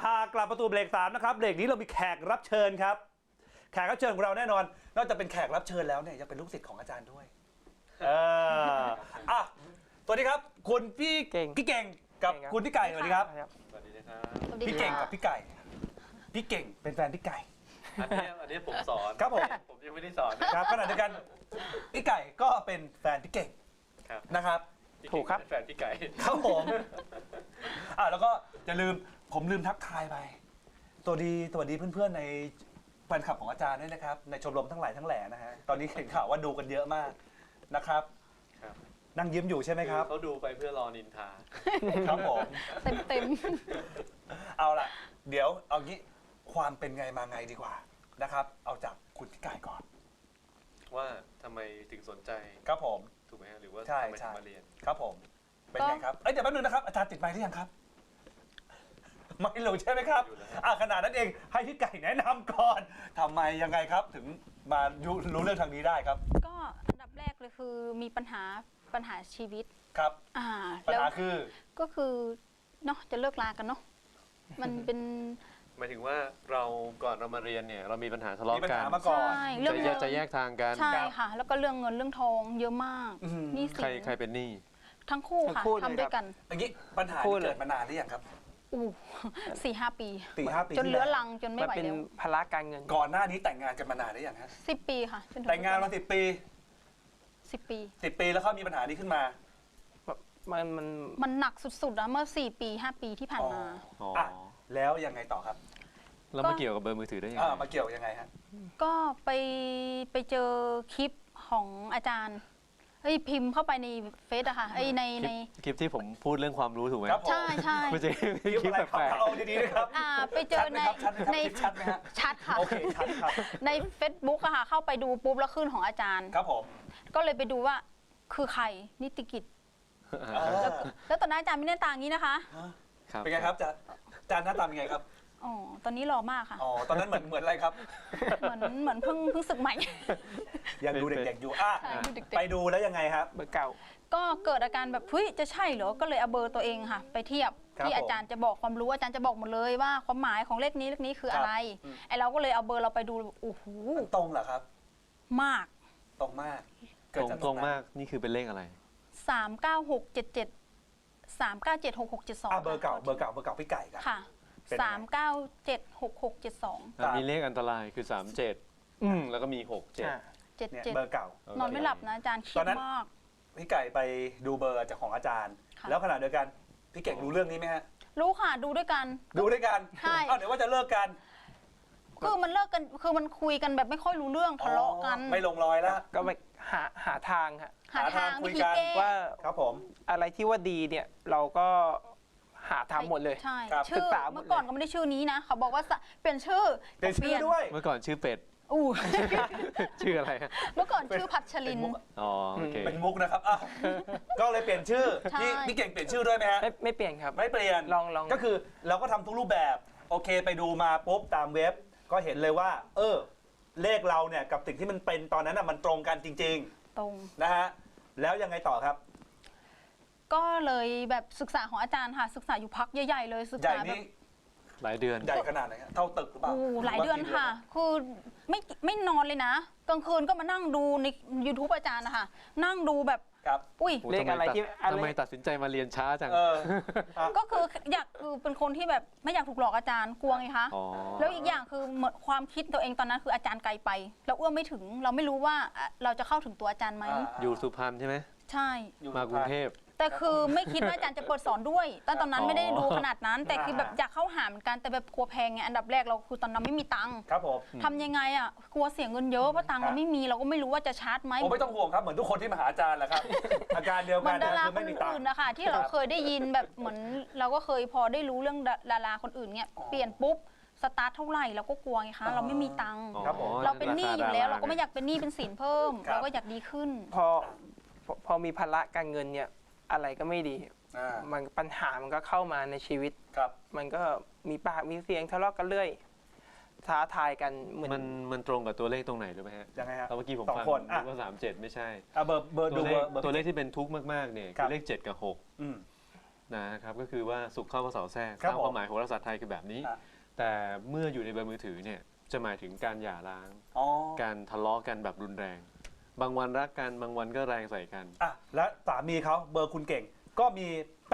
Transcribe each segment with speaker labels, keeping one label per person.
Speaker 1: กลับประตูเบรก3นะครับเบรกนี้เรามีแขกรับเชิญครับแขกรับเชิญของเราแน่นอนนอกจากเป็นแขกรับเชิญแล้วเนี่ยยังเป็นลูกศิษย์ของอาจารย์ด้วยสวัสดีครับคุณพี่เก่งกับคุณพี่ไก่สวัสดีครับ
Speaker 2: สวัสดีนะครับ
Speaker 1: พี่เก่งกับพี่ไก่พี่เก่งเป็นแฟนพี่ไก่
Speaker 2: อันนี้ผมสอน
Speaker 1: ครับผม
Speaker 2: ยังไม่ได้สอน
Speaker 1: ครับขณะเดียวกันพี่ไก่ก็เป็นแฟนพี่เก่งนะครับ
Speaker 2: ถูกครับแฟนพี่ไก่
Speaker 1: ครับผมแล้วก็อย่าลืมผมลืมทักทายไปสวัสดีเพื่อนๆในแฟนคลับของอาจารย์ด้วยนะครับในชมรมทั้งหลายทั้งแหล่นะฮะตอนนี้เห็นข่าวว่าดูกันเยอะมากนะครับนั่งยิ้มอยู่ใช่ไหมครับ
Speaker 2: เขาดูไปเพื่อรอนินทา
Speaker 1: ครับผม
Speaker 3: เต็ม
Speaker 1: เอาล่ะเดี๋ยวเอางี้ความเป็นไงมาไงดีกว่านะครับเอาจากคุณพี่ไก่ก่อน
Speaker 2: ว่าทำไมถึงสนใจ
Speaker 1: ครับผม
Speaker 2: ถูกไหมฮะหรือว่า
Speaker 1: ทำ
Speaker 2: ไมถึงมาเรียน
Speaker 1: ครับผมเป็นไงครับเดี๋ยวแป๊บนึงนะครับอาจารย์ติดไมค์หรือยังครับไม่รู้ใช่ไหมครับขนาดนั้นเองให้พี่ไก่แนะนำก่อนทำไมยังไงครับถึงมารู้เรื่องทางนี้ได้ครับ
Speaker 3: ก็อันดับแรกเลยคือมีปัญหาชีวิต
Speaker 1: ครับปัญหาคือ
Speaker 3: ก็คือเนาะจะเลิกลากันเนาะมันเป็น
Speaker 2: หมายถึงว่าเราก่อนเรามาเรียนเนี่ยเรามีปัญหาทะเลาะกัน
Speaker 1: มาก่อน
Speaker 2: จะแยกทางกัน
Speaker 3: ใช่ค่ะแล้วก็เรื่องเงินเรื่องทองเยอะมากนี่สิ
Speaker 2: ใครเป็นหนี้
Speaker 3: ทั้งคู่ค่ะทำด้วยกัน
Speaker 1: อย่างนี้ปัญหาเกิดมานานหรือยังครับ
Speaker 3: 4-5 ปี
Speaker 1: จ
Speaker 3: นเลื้อรังจนไม่ไหวแล้ว
Speaker 4: เป็นภาระการเงิน
Speaker 1: ก่อนหน้านี้แต่งงานกันมานานหรือยังฮะ
Speaker 3: 10 ปีค่ะ
Speaker 1: แต่งงานมา10 ปี
Speaker 3: 10 ปี
Speaker 1: 10 ปีแล้วเขามีปัญหานี้ขึ้นมา
Speaker 3: มันหนักสุดๆนะเมื่อ4 ปี 5 ปีที่ผ่านมา
Speaker 1: แล้วยังไงต่อครับ
Speaker 2: แล้วมาเกี่ยวกับเบอร์มือถือได้ยังไง
Speaker 1: มาเกี่ยวยังไงฮะ
Speaker 3: ก็ไปเจอคลิปของอาจารย์พิมพ์เข้าไปในเฟซอะค่ะใน
Speaker 2: คลิปที่ผมพูดเรื่องความรู้ถูกไหม
Speaker 3: ใช่
Speaker 2: ไม่ใช่คลิปแปลก
Speaker 1: ๆเอาดีๆนะครับ
Speaker 3: ไปเจอใน
Speaker 1: ชัดไหมฮะ
Speaker 3: ชัดค่ะ
Speaker 1: โอเคชัดครับ
Speaker 3: ใน Facebook อะค่ะเข้าไปดูปุ๊บแล้วขึ้นของอาจารย์
Speaker 1: ครับผม
Speaker 3: ก็เลยไปดูว่าคือใครนิติกิจแล้วตอนนั้นอาจารย์ไม่ได้ต่างนี้นะคะ
Speaker 1: เป็นไงครับอาจารย์หน้าตาเป็นไงครับ
Speaker 3: ตอนนี้หล่อมากค่ะ
Speaker 1: ตอนนั้นเหมือนอะไรครับ
Speaker 3: เหมือนเพิ่งศึกใหม่
Speaker 1: ยังดูเด็กๆอยู่ไปดูแล้วยังไงครับ
Speaker 4: เบอร์เก่า
Speaker 3: ก็เกิดอาการแบบเฮ้ยจะใช่เหรอก็เลยเอาเบอร์ตัวเองค่ะไปเทียบที่อาจารย์จะบอกความรู้อาจารย์จะบอกหมดเลยว่าความหมายของเลขนี้คืออะไรเราก็เลยเอาเบอร์เราไปดูโอ้โห
Speaker 1: ตรงเหรอครับ
Speaker 3: มาก
Speaker 1: ตรงมาก
Speaker 2: ตรงมากนี่คือเป็นเลขอะไร
Speaker 3: 39677 3976672
Speaker 1: เบอร์เก่าพี่ไก่
Speaker 3: ค่ะ3976672
Speaker 2: มีเลขอันตรายคือ37แล้วก็มี67
Speaker 1: เบอร์เก่าน
Speaker 3: อนไม่หลับนะอาจารย์คิดมาก
Speaker 1: พี่ไก่ไปดูเบอร์จากของอาจารย์แล้วขณะเดียวกันพี่เก่งรู้เรื่องนี้ไหมฮะ
Speaker 3: รู้ค่ะดูด้วยกัน
Speaker 1: ใช่เดี๋ยวว่าจะเลิกกัน
Speaker 3: คือมันเลิกกันคือมันคุยกันแบบไม่ค่อยรู้เรื่องทะเลาะกัน
Speaker 1: ไม่ลงรอยแล้ว
Speaker 4: ก็ไปหาทาง
Speaker 3: หาทาง
Speaker 1: คุยกัน
Speaker 4: ว่า
Speaker 1: ครับผม
Speaker 4: อะไรที่ว่าดีเนี่ยเราก็หาทำหมดเลย
Speaker 3: ใช่ชื่อเมื่อก่อนก็ไม่ได้ชื่อนี้นะเขาบอกว่าเปลี่ยนชื่อ
Speaker 1: ด้วย
Speaker 2: เมื่อก่อนชื่อเป็ดชื่ออะไร
Speaker 3: เมื่อก่อนชื่อพัชริน
Speaker 1: เป็นมุกนะครับก็เลยเปลี่ยนชื่อพี่เก่งเปลี่ยนชื่อด้วยไหมฮะ
Speaker 4: ไม่เปลี่ยนครับ
Speaker 1: ไม่เปลี่ยน
Speaker 4: ลอง
Speaker 1: ก็คือเราก็ทำทุกรูปแบบโอเคไปดูมาปุ๊บตามเว็บก็เห็นเลยว่าเลขเราเนี่ยกับสิ่งที่มันเป็นตอนนั้นมันตรงกันจริง
Speaker 3: ๆตรง
Speaker 1: นะฮะแล้วยังไงต่อครับ
Speaker 3: ก็เลยแบบศึกษาของอาจารย์ค่ะศึกษาอยู่พักใหญ่ๆเลยศึกษาแบบ
Speaker 2: หลายเดือน
Speaker 1: ใหญ่ขนาดไหนเท่าตึกหรือเปล่า
Speaker 3: หลายเดือนค่ะคือไม่นอนเลยนะกลางคืนก็มานั่งดูใน YouTube อาจารย์นะคะนั่งดูแบบ
Speaker 1: อุ้ย
Speaker 4: เลขอะไรที่
Speaker 2: ทำไมตัดสินใจมาเรียนช้าจัง
Speaker 3: ก็คือคือเป็นคนที่แบบไม่อยากถูกหลอกอาจารย์กลัวไงคะแล้วอีกอย่างคือเหมือนความคิดตัวเองตอนนั้นคืออาจารย์ไกลไปเราเอื้อมไม่ถึงเราไม่รู้ว่าเราจะเข้าถึงตัวอาจารย์ไหม
Speaker 2: อยู่สุพรรณใช่ไหม
Speaker 3: ใช่
Speaker 2: มากรุงเทพ
Speaker 3: แต่คือไม่คิดว่าอาจารย์จะเปิดสอนด้วยตอนนั้นไม่ได้ดูขนาดนั้นแต่คือแบบอยากเข้าหาเหมือนกันแต่แบบกลัวแพงไงอันดับแรกเราคือตอนนั้นไม่มีตังค์
Speaker 1: ครับผม
Speaker 3: ทำยังไงกลัวเสียเงินเยอะเพราะตังค์เราไม่มีเราก็ไม่รู้ว่าจะชาร์จไหม
Speaker 1: ไม่ต้องห่วงครับเหมือนทุกคนที่มาหาอาจารย์แหละครับอาการเดียวกัน
Speaker 3: ดาราคนอื่นนะคะที่เราเคยได้ยินแบบเหมือนเราก็เคยพอได้รู้เรื่องดาราคนอื่นเนี่ยเปลี่ยนปุ๊บสตาร์ทเท่าไหร่เราก็กลัวไงคะเราไม่มีตังค์เราเป็นหนี้อยู่แล้วเราก็ไม่อยากเป็นหนี้เป็นสินเพิ่มเราก็อยากดีขึ้น
Speaker 4: พอมีภาระการเงินเนี่ยอะไรก็ไม่ดีมันปัญหามันก็เข้ามาในชีวิตมันก็มีปากมีเสียงทะเลาะกันเรื่อยท้าทายกันเหมือน
Speaker 2: มันตรงกับตัวเลขตรงไหนรู้ไหมฮะ
Speaker 1: ยังไงฮะ
Speaker 2: เมื่อกี้ผมฟังว่า37ไม่ใช่
Speaker 1: เบอร์ดู
Speaker 2: ตัวเลขที่เป็นทุกข์มากๆเนี่ยคือเลข7กับ6 นะครับก็คือว่าสุขเข้าพระเสาแทรก
Speaker 1: ครับ
Speaker 2: ตามความหมายโหราศาสตร์ไทยคือแบบนี้
Speaker 1: อ่ะ
Speaker 2: แต่เมื่ออยู่ในเบอร์มือถือเนี่ยจะหมายถึงการหย่าร้าง
Speaker 1: อ๋อ
Speaker 2: การทะเลาะกันแบบรุนแรง บางวันรักกันบางวันก็แรงใส่กัน
Speaker 1: อ่ะและสามีเขาเบอร์คุณเก่ง ก็มี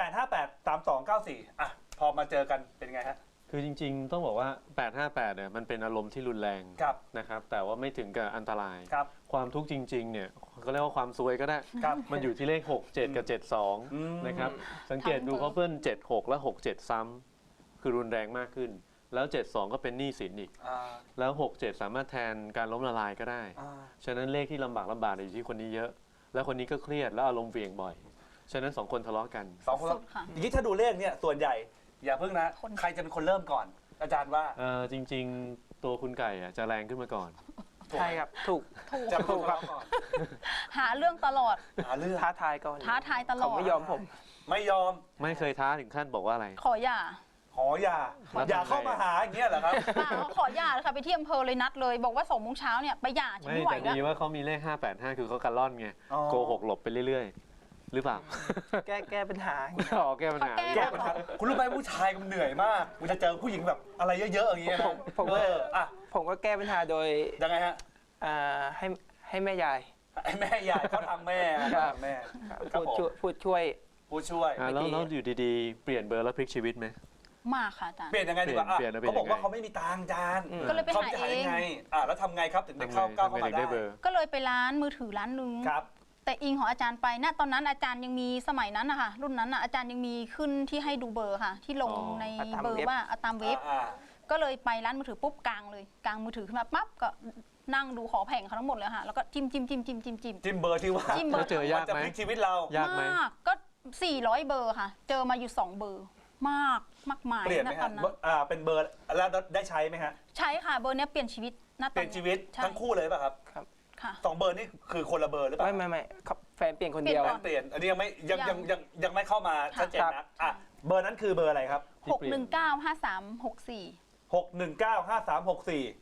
Speaker 1: 8583294อ่ะพอมาเจอกันเป็นไงฮะ
Speaker 2: คือจริงๆ ต้องบอกว่า 858 เนี่ยมันเป็นอารมณ์ที่รุนแรง
Speaker 1: ครับ
Speaker 2: นะครับแต่ว่าไม่ถึงกับอันตราย
Speaker 1: ครับ
Speaker 2: ความทุกข์จริงๆ เนี่ยก็เรียกว่าความซวยก็ได้
Speaker 1: ครับ
Speaker 2: มันอยู่ที่เลข 6 7 กับ
Speaker 1: อืม
Speaker 2: 72 นะครับ สังเกตดูเขาเพิ่น76 และ 67 ซ้ำคือรุนแรงมากขึ้น แล้ว 72 ก็เป็นหนี้สินอีก
Speaker 1: อ่า
Speaker 2: แล้ว 67 สามารถแทนการล้มละลายก็ได้
Speaker 1: อ่า
Speaker 2: ฉะนั้นเลขที่ลำบากอยู่ที่คนนี้เยอะ แล้วคนนี้ก็เครียดแล้วอารมณ์เหวี่ยงบ่อย ฉะนั้น2คนทะเลาะกัน
Speaker 1: สองคน
Speaker 3: สุดค่ะ
Speaker 1: อย่างนี้ถ้าดูเลขเนี่ยส่วนใหญ่ อย่าเพิ่งนะ
Speaker 3: คน
Speaker 1: ใครจะเป็นคนเริ่มก่อน อาจารย์ว่า
Speaker 2: จริงๆ ตัวคุณไก่จะแรงขึ้นมาก่อน
Speaker 4: ใช่ครับถูก
Speaker 3: ถูก
Speaker 1: จะเป็นคนทะเลาะก่อน
Speaker 3: หาเรื่องตลอด
Speaker 1: หาเรื่อง
Speaker 4: ท้าทายก่อน
Speaker 3: ท้าทายตลอด
Speaker 4: เขาไม่ยอมผม
Speaker 1: ไม่ยอม
Speaker 2: ไม่เคยท้าถึงขั้นบอกว่าอะไร
Speaker 3: ขอหย่า
Speaker 1: ขออย่า
Speaker 2: แล้ว
Speaker 1: อย่า
Speaker 2: ทำไง
Speaker 1: เข้ามาหาอย่างเงี้ยเหรอครับ
Speaker 3: เปล่าขอหย่าเลยค่ะไปที่อำเภอเลยนัดเลย บอกว่า2 โมงเช้าเนี่ยไปหย่าฉัน
Speaker 2: ไม่
Speaker 3: ไม่ไหว
Speaker 2: แต่
Speaker 3: แล้ว
Speaker 2: ดีว่าเขามีเลข 585 คือเขากันล่อนไง
Speaker 1: อ๋อ
Speaker 2: โกหกหลบไปเรื่อยๆ หรือเปล่า
Speaker 4: แก้ปัญหา
Speaker 2: อ๋อแก้ปัญหา
Speaker 1: แก้ปัญหาคุณรู้ไหมผู้ชายมันเหนื่อยมากมันจะเจอผู้หญิงแบบอะไรเยอะๆอย่างเงี้ยนะ
Speaker 4: ผมว่า
Speaker 1: อ่ะ
Speaker 4: ผมก็แก้ปัญหาโดย
Speaker 1: ยังไงฮะ
Speaker 4: ให้แม่ยาย
Speaker 1: ไอ้แม่ใหญ่เขาทำแม่
Speaker 4: ครับ
Speaker 1: เขาทำแม่ครับ
Speaker 4: พูดช่วย
Speaker 1: ผู้ช่วย
Speaker 2: แล้วอยู่ดีๆ เปลี่ยนเบอร์แล้วพลิกชีวิตไหม
Speaker 3: มากค่ะอาจารย์
Speaker 1: เปลี่ยนยังไงดีกว่าอ่ะ
Speaker 2: เปลี่ยน
Speaker 1: เขาบอกว่า
Speaker 2: ยังไง
Speaker 1: เขาไม่มีตังค์จาน
Speaker 4: อืม
Speaker 3: ก็เลยไป
Speaker 1: เขา
Speaker 3: หา
Speaker 1: จะ
Speaker 3: เอ
Speaker 1: หาง ยังไงแล้วทำไงครับถึงได้เข้าก้าวเข้ามา
Speaker 2: ทำไงถึงได้เบอร์
Speaker 3: ก็เลยไปร้านมือถือร้านนึง
Speaker 1: ครับ
Speaker 3: แต่อิงของอาจารย์ไปณตอนนั้นอาจารย์ยังมีสมัยนั้นนะคะรุ่นนั้นน่ะอาจารย์ยังมีขึ้นที่ให้ดูเบอร์ค่ะ ที่ลง
Speaker 2: อ๋อ
Speaker 3: ใน
Speaker 4: ตาม
Speaker 3: เบอร์
Speaker 4: เว็บ
Speaker 3: ว่าตามเว็บ
Speaker 1: อ่า
Speaker 3: ก็เลยไปร้านมือถือปุ๊บกลางเลยกลางมือถือขึ้นมาปั๊บก็นั่งดูขอแผงเขาทั้งหมดเลยค่ะแล้วก็จิ้มจิ้มจิ้มจิ้มจิ้มจิ้ม
Speaker 1: จิ้มเบอร์ที่ว่า
Speaker 3: จิ้มเบอร์
Speaker 2: แล้วเจอยาก
Speaker 1: จะ
Speaker 2: ไหม
Speaker 1: พลิกชีวิตเรา
Speaker 2: ยากไหม
Speaker 3: มากก็400 เบอร์ค่ะ เจอมาอยู่2 เบอร์มากมากมาย
Speaker 1: เปลี่ยนไหม
Speaker 3: ณต
Speaker 1: ฮะ
Speaker 3: อนนั้น
Speaker 1: เป็นเบอร์แล้วได้ใช้ไหมฮะ
Speaker 3: ใช่ค่ะเบอร์เนี้ยเปลี่ยนชีวิตณตอน
Speaker 1: เปลี่ยนชีวิต
Speaker 3: ใช่
Speaker 1: ทั้งคู่เลยป่ะครับ
Speaker 3: ค่ะ
Speaker 1: สองเบอร์นี่คือคนละเบอร์หรือเปล่า
Speaker 4: ไม่ครับแฟนเปลี่ยนคนเดียว
Speaker 3: เปลี่ยนก่อน
Speaker 1: เปลี่ยนอันนี้ยังไม่ยังไม่เข้ามาชัดเจน
Speaker 4: ครั
Speaker 1: นะ
Speaker 4: บ
Speaker 1: อ่ะเบอร์นั้นคือเบอร์อะไรครับ
Speaker 2: ที่เปลี่ยน
Speaker 3: 6195364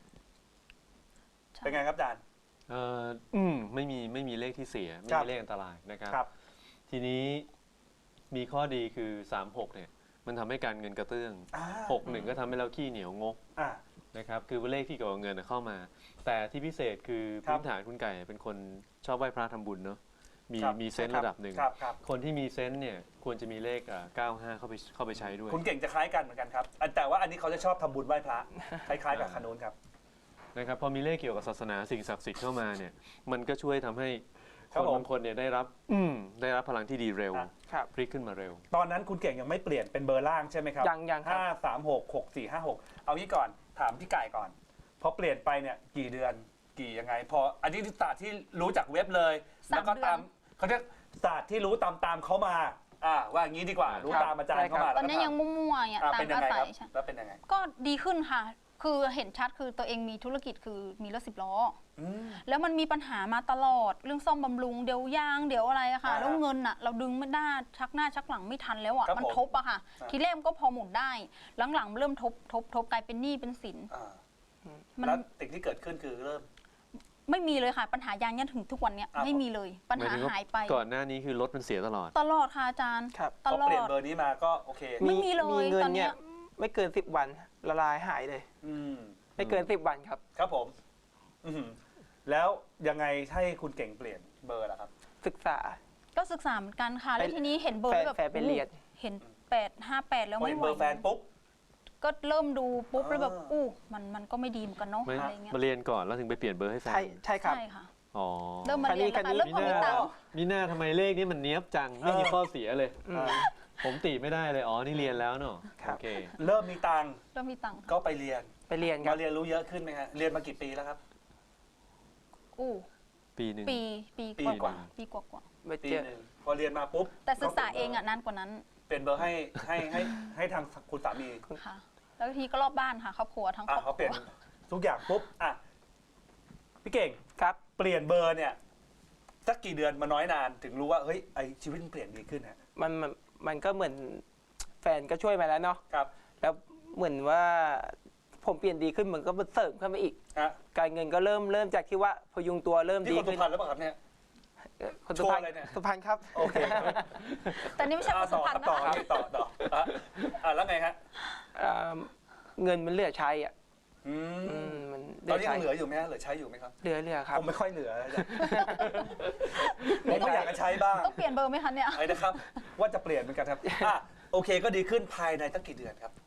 Speaker 1: 6195364เป็นไงครับอาจารย์
Speaker 2: ไม่มีเลขที่เสีย ไม่
Speaker 1: ครับ
Speaker 2: มีเลขอันตรายนะครับ
Speaker 1: ครับ
Speaker 2: ทีนี้มีข้อดีคือ 36 เนี่ย มันทำให้การเงินกระเตื้อง 61 ก็ทำให้เราขี้เหนียวงก
Speaker 1: อ่า
Speaker 2: นะครับ คือเลขที่เกี่ยวกับเงินเข้ามา แต่ที่พิเศษคือ
Speaker 1: ครับ
Speaker 2: พื้นฐานคุณไก่เป็นคนชอบไหว้พระทำบุญเนาะ
Speaker 1: ครับ
Speaker 2: มีเซนส์ระดับหนึ่ง
Speaker 1: ครับครับ
Speaker 2: คนที่มีเซนส์เนี่ยควรจะมีเลข95 เข้าไปใช้ด้วย
Speaker 1: คุณเก่งจะคล้ายกันเหมือนกันครับแต่ว่าอันนี้เขาจะชอบทำบุญไหว้พระคล้ายๆกับคานูนครับ
Speaker 2: นะครับพอมีเลขเกี่ยวกับศาสนาสิ่งศักดิ์สิทธิ์เข้ามาเนี่ยมันก็ช่วยทำให้
Speaker 1: ครับ
Speaker 2: คน
Speaker 1: ผม
Speaker 2: บางคนเนี่ยได้รับพลังที่ดีเร็ว
Speaker 4: ครับ
Speaker 2: พลิกขึ้นมาเร็ว
Speaker 1: ตอนนั้นคุณเก่งยังไม่เปลี่ยนเป็นเบอร์ล่างใช่ไหมครับ
Speaker 4: ยังครับ
Speaker 1: 5366456เอางี้ก่อนถามพี่ไก่ก่อนพอเปลี่ยนไปเนี่ยกี่เดือนกี่ยังไง พออันนี้ศาสตร์ที่รู้จากเว็บเลย
Speaker 3: 3
Speaker 1: แล้วก็
Speaker 3: เดือน
Speaker 1: ตามเขาเรียกศาสตร์ที่รู้ตามเขามาว่าอย่างนี้ดีกว่ารู้
Speaker 4: ครับ
Speaker 1: ตามอาจารย์เข้ามา
Speaker 3: ตอนนี้ยังมั่วๆเนี่ยตาม
Speaker 1: เป็นยัง
Speaker 3: อา
Speaker 1: ไง
Speaker 3: ศั
Speaker 1: ค
Speaker 3: ย
Speaker 1: รับ
Speaker 3: ใช่
Speaker 1: แล้วเป็นยังไง
Speaker 3: ก็ดีขึ้นค่ะ คือเห็นชัดคือตัวเองมีธุรกิจคือมีรถ10 ล้อ
Speaker 1: อืม
Speaker 3: แล้วมันมีปัญหามาตลอดเรื่องซ่อมบำรุงเดี๋ยวยางเดี๋ยวอะไรอะค่ะ
Speaker 1: อ่า
Speaker 3: แล้วเงินอะเราดึงไม่ได้ชักหน้าชักหลังไม่ทันแล้วอะ
Speaker 1: ครับ
Speaker 3: มัน
Speaker 1: ผม
Speaker 3: ทบอะค่ะ
Speaker 1: อ่า
Speaker 3: ทีแรกมันก็พอหมุนได้หลังๆเริ่มทบกลายเป็นหนี้เป็นสิน
Speaker 1: อ่า
Speaker 3: มัน
Speaker 1: แล้วสิ่งที่เกิดขึ้นคือเริ่ม
Speaker 3: ไม่มีเลยค่ะ ปัญหายางยันถึงทุกวันเนี้ย
Speaker 1: อ่า
Speaker 3: ไม่มีเลยปัญหาหายไป
Speaker 2: ก่อนหน้านี้คือรถมันเสียตลอด
Speaker 3: ตลอดค่ะอาจารย์
Speaker 4: ครับ
Speaker 3: ต
Speaker 1: พอ
Speaker 3: ลอ
Speaker 1: เปลี่ยน
Speaker 3: ด
Speaker 1: เบอร์นี้มาก็โอเค
Speaker 3: ไม่มีเลย
Speaker 4: เงิ
Speaker 3: ตอนเนี้
Speaker 4: เนี่ย ยไม่เกิน10 วันละลายหายเลย
Speaker 1: อืม
Speaker 4: ไม่เกิน10 วันครับ
Speaker 1: ครับผมอืมแล้วยังไงให้คุณเก่งเปลี่ยนเบอร์ล่ะครับ
Speaker 4: ศึกษา
Speaker 3: ก็ศึกษาเหมือนกันค่ะ แล้วทีนี้เห็นเบอร์แล้วแบบ
Speaker 4: แฟนไปเรียน
Speaker 3: เห็น858แล้ว
Speaker 1: พอ
Speaker 3: ไม่
Speaker 1: เห็น
Speaker 3: ไหว
Speaker 1: เบอร์แฟนปุ๊บ
Speaker 3: ก็เริ่มดูปุ๊บแล้วแบบ
Speaker 1: อ่า
Speaker 3: มันก็ไม่ดีเหมือนกันเนาะ
Speaker 2: ไม่
Speaker 3: อะไรเงี้ย
Speaker 2: มาเรียนก่อนแล้วถึงไปเปลี่ยนเบอร์ให้แฟน
Speaker 4: ใช่ครับ
Speaker 3: ใช่ค่ะ
Speaker 2: อ๋อ
Speaker 3: เริ่มมาเรียนแล้ว
Speaker 4: คันนี้
Speaker 3: ค่ะเริ่มพอมีตังค์
Speaker 2: มีหน้าทำไมเลขนี้มันเนี้ยบจัง ไม่มีข้อเสียเลย
Speaker 4: อืม
Speaker 2: ผมติไม่ได้เลย อ๋อ นี่เรียนแล้วเนอะ
Speaker 4: ครับ
Speaker 2: โอเค
Speaker 1: เริ่มมีตังค์
Speaker 3: เริ่มมีตังค์
Speaker 1: ก็ไปเรียน
Speaker 4: ไปเรียนค
Speaker 1: มา
Speaker 4: รับ
Speaker 1: เรียนรู้เยอะขึ้นไหมฮะเรียนมากี่ปีแล้วครับ
Speaker 3: อู้
Speaker 2: ปีหนึ่ง
Speaker 3: ปี
Speaker 1: ปี
Speaker 3: ก
Speaker 1: กว่า
Speaker 3: ว่าปีกว่า
Speaker 4: ไป
Speaker 1: ปี
Speaker 4: เจอ
Speaker 1: หนึ่งพอเรียนมาปุ๊บ
Speaker 3: แต่ศึกษาเองอ่ะนานกว่านั้น
Speaker 1: เปลี่ยนเบอร์ให้ทางคุณสามี
Speaker 3: ค่ะ แล้วทีก็รอบบ้านค่ะครอบครัวทั้งครอบค
Speaker 1: เขาเป
Speaker 3: รั
Speaker 1: ลี่
Speaker 3: วย
Speaker 1: นทุกอย่างปุ๊บพี่เก่ง
Speaker 4: ครับ
Speaker 1: เปลี่ยนเบอร์เนี่ยสักกี่เดือนมาน้อยนานถึงรู้ว่าเฮ้ยไอชีวิตมันเปลี่ยนดีขึ้นฮะ
Speaker 4: มันก็เหมือนแฟนก็ช่วยมาแล้วเนาะ
Speaker 1: ครับ
Speaker 4: แล้วเหมือนว่าผมเปลี่ยนดีขึ้นมันก็เสริมขึ้นมาอีก
Speaker 1: ฮะ
Speaker 4: การเงินก็เริ่มจากที่ว่าพยุงตัวเริ่ม
Speaker 1: ที่
Speaker 4: ดี
Speaker 1: คนสุ
Speaker 4: ขึ้น
Speaker 1: พรรณแล้วเปล่าครับเนี่ย
Speaker 4: คน
Speaker 1: โช
Speaker 4: สุ
Speaker 1: ว์
Speaker 4: พรรณ
Speaker 1: อะไรเนี่ย
Speaker 4: สุพรรณครับ
Speaker 1: โอเคครับ
Speaker 3: แต่นี่ไม่ใช่คนสุพรรณ
Speaker 1: ต่อ
Speaker 3: นะคะ
Speaker 1: ต่อแล้วไงฮะ
Speaker 4: เงินมันเหลือใช้อ่ะ
Speaker 1: อืม
Speaker 4: มัน
Speaker 1: ตอนนี้ยังเหลืออยู่ไหมฮะเหลือใช้อยู่ไหมครับ
Speaker 4: เหลือครับ
Speaker 1: ผมไม่ค่อยเหลืออาจารย์ผมก็อยากจะใช้บ้าง
Speaker 3: ต้องเปลี่ยนเบอร์ไหมคะเนี่ย
Speaker 1: ไอ้นะครับ ว่าจะเปลี่ยนเหมือนกันครับโอเคก็ดีขึ้นภายในตั้งกี่เดือนครับ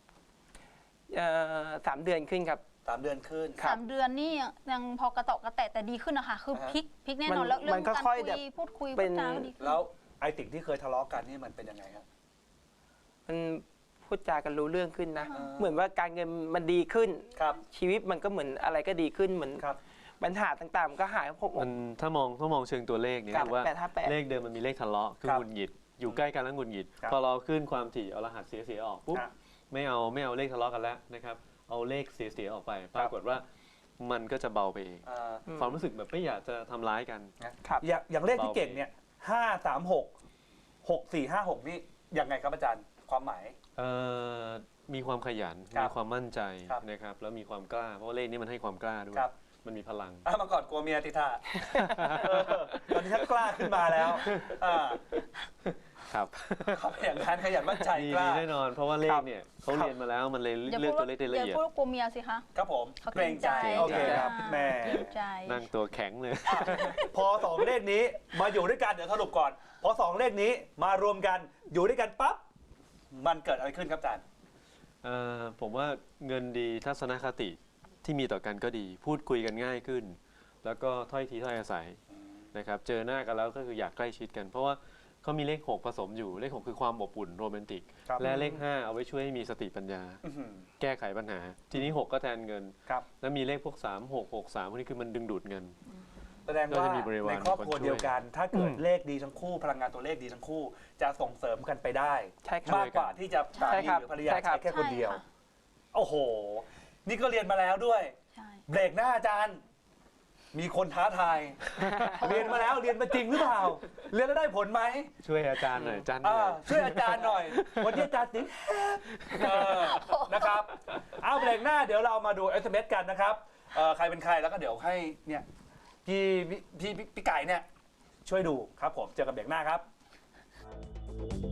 Speaker 4: 3 เดือนขึ้นครับ
Speaker 1: 3 เดือนขึ้น
Speaker 3: 3 เดือนนี่ยังพอกระเตาะกระแตะแต่ดีขึ้นนะคะคือพลิกแน่นอนแล้วเรื่
Speaker 4: มั
Speaker 3: อง
Speaker 4: นก็
Speaker 3: การ
Speaker 4: ค่อย
Speaker 3: คุ
Speaker 4: แบบ
Speaker 3: ยพูดคุย
Speaker 4: เป็
Speaker 3: พูด
Speaker 4: น
Speaker 3: จาก็ดีขึ้น
Speaker 1: แล้วไอ้สิ่งที่เคยทะเลาะกันนี่มันเป็นยังไงครับ
Speaker 4: มันพูดจากันรู้เรื่องขึ้นนะ
Speaker 3: อ่า
Speaker 4: เหมือนว่าการเงินมันดีขึ้น
Speaker 1: ครับ
Speaker 4: ชีวิตมันก็เหมือนอะไรก็ดีขึ้นเหมือน
Speaker 1: ครับ
Speaker 4: ปัญหาต่างๆมันก็หายพบ
Speaker 2: มันถ้ามองเชิงตัวเลขเนี่ย
Speaker 4: ครับ
Speaker 2: คือว่า
Speaker 4: 858
Speaker 2: เลขเดิมมันมีเลขทะเลาะคือ
Speaker 1: ครับ
Speaker 2: หงุดหงิดอยู่ใกล้กันแล้วหงุดหงิด
Speaker 1: ครับ
Speaker 2: พอเราขึ้นความถี่เอารหัสเสียออกปุ๊บ
Speaker 1: ครับ
Speaker 2: ไม่เอาเลขทะเลาะกันแล้วนะครับเอาเลขเสียออกไป ปรากฏว่ามันก็จะเบาไปเอง ความรู้สึกแบบไม่อยากจะทำร้ายกัน
Speaker 4: ครับ
Speaker 1: อย่างเลขที่เก่งเนี่ย536 6456 นี่ยังไงครับอาจารย์ความหมาย
Speaker 2: มีความขยัน
Speaker 1: ครับ
Speaker 2: มีความมั่นใจ
Speaker 1: ครับ
Speaker 2: นะครับแล้วมีความกล้าเพราะว่าเลขนี้มันให้ความกล้าด้วย
Speaker 1: ครับ
Speaker 2: มันมีพลัง
Speaker 1: เมื่อก่อนกลัวเมียติท่าตอนนี้ชักกล้าขึ้นมาแล้วอ่า
Speaker 2: ครับ
Speaker 1: เขาเป็นอย่างนั้นขยันมั่นใจ
Speaker 2: มี
Speaker 1: กล้า
Speaker 2: แน่นอน เพราะว่าเลขเนี่ยเขาเรียนมาแล้วมันเลย
Speaker 3: อย่า
Speaker 2: เลื
Speaker 3: พู
Speaker 2: อก
Speaker 3: ด
Speaker 2: ตัวเลขได้ละ
Speaker 3: อย่า
Speaker 2: เอียด
Speaker 3: พูดว่ากลัวเมียสิคะ
Speaker 1: ครับผม
Speaker 3: เขา
Speaker 1: เกรงใจ โอเคครับแม่
Speaker 3: เกรงใจ
Speaker 2: นั่งตัวแข็งเลย
Speaker 1: พอ2เลขนี้มาอยู่ด้วยกันเดี๋ยวสรุปก่อน พอ2เลขนี้มารวมกันอยู่ด้วยกันปั๊บมันเกิดอะไรขึ้นครับอาจารย์
Speaker 2: ผมว่าเงินดีทัศนคติที่มีต่อกันก็ดี พูดคุยกันง่ายขึ้น แล้วก็ถ้อยทีถ้อยอาศัยนะครับเจอหน้ากันแล้วก็คืออยากใกล้ชิดกัน เพราะว่าเขามีเลข 6 ผสมอยู่เลข 6 คือความอบอุ่นโรแมนติก
Speaker 1: ครับ
Speaker 2: และเลข 5 เอาไว้ช่วยให้มีสติปัญญา
Speaker 1: อื้อหือ
Speaker 2: แก้ไขปัญหา ทีนี้ 6 ก็แทนเงิน
Speaker 1: ครับ
Speaker 2: แล้วมีเลขพวก 3 6 6 3พวกนี้คือมันดึงดูดเงิน
Speaker 1: แสดงว่า
Speaker 2: ก็จะมีบริวาร
Speaker 1: ในครอบครัว
Speaker 2: คนช่วย
Speaker 1: เดียวกัน ถ้าเกิดเลขดีทั้งคู่ พลังงานตัวเลขดีทั้งคู่ จะส่งเสริมกันไปได้
Speaker 4: ใช่ครับ
Speaker 1: มากกว่าที่จะสา
Speaker 4: ใช่
Speaker 1: มี
Speaker 4: ครับ
Speaker 1: หรือภรรยา
Speaker 4: ใช่ครั
Speaker 1: ใช้
Speaker 4: บ
Speaker 1: แค่คนเดียว
Speaker 3: ใช่ค่ะ
Speaker 1: โอ้โห นี่ก็เรียนมาแล้วด้วย
Speaker 3: ใช่
Speaker 1: เบรกหน้าอาจารย์ มีคนท้าทาย เรียนมาแล้วเรียนมาจริงหรือเปล่า เรียนแล้วได้ผลไหม
Speaker 2: ช่วยอาจารย์หน่อยอาจารย์เหนื่อย
Speaker 1: ช่วยอาจารย์หน่อย วันนี้อาจารย์สิงนะครับ เอาเบรกหน้าเดี๋ยวเรามาดู SMS กันนะครับใครเป็นใครแล้วก็เดี๋ยวให้เนี่ยพี่ไก่เนี่ยช่วยดูครับผมเจอกันเบรกหน้าครับ